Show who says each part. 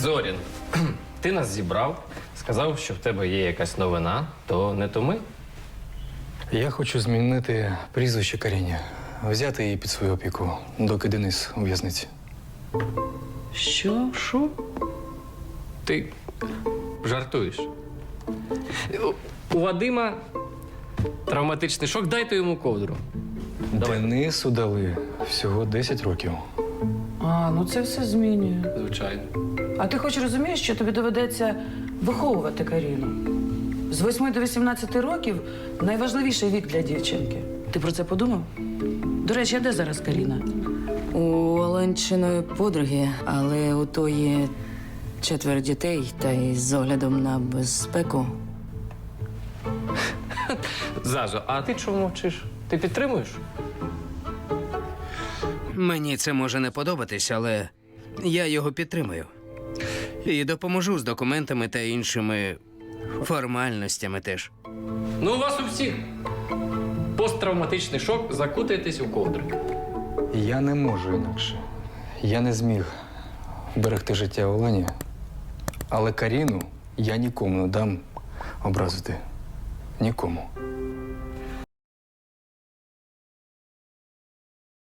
Speaker 1: Зорін, ти нас зібрав, сказав, що в тебе є якась новина, то не то ми.
Speaker 2: Я хочу змінити прізвище Каріні, взяти її під свою опіку, доки Денис у в'язниці.
Speaker 1: Що? Ти жартуєш? У Вадима травматичний шок, дайте йому ковдру.
Speaker 2: Денису дали всього 10 років.
Speaker 3: А, ну це все змінює.
Speaker 1: Звичайно.
Speaker 3: А ти хоч розумієш, що тобі доведеться виховувати Каріну? З 8 до 18 років найважливіший вік для дівчинки. Ти про це подумав? До речі, а де зараз Каріна?
Speaker 4: У Оленчиної подруги, але у тої 4 дітей, та й з оглядом на безпеку.
Speaker 1: Зажо, а ти чому мовчиш? Ти підтримуєш?
Speaker 5: Мені це може не подобатись, але я його підтримую. І допоможу з документами та іншими формальностями теж.
Speaker 1: Ну, у вас у всіх посттравматичний шок, закутайтесь у ковдри.
Speaker 2: Я не можу інакше. Я не зміг берегти життя Олені, але Каріну я нікому не дам образити. Нікому.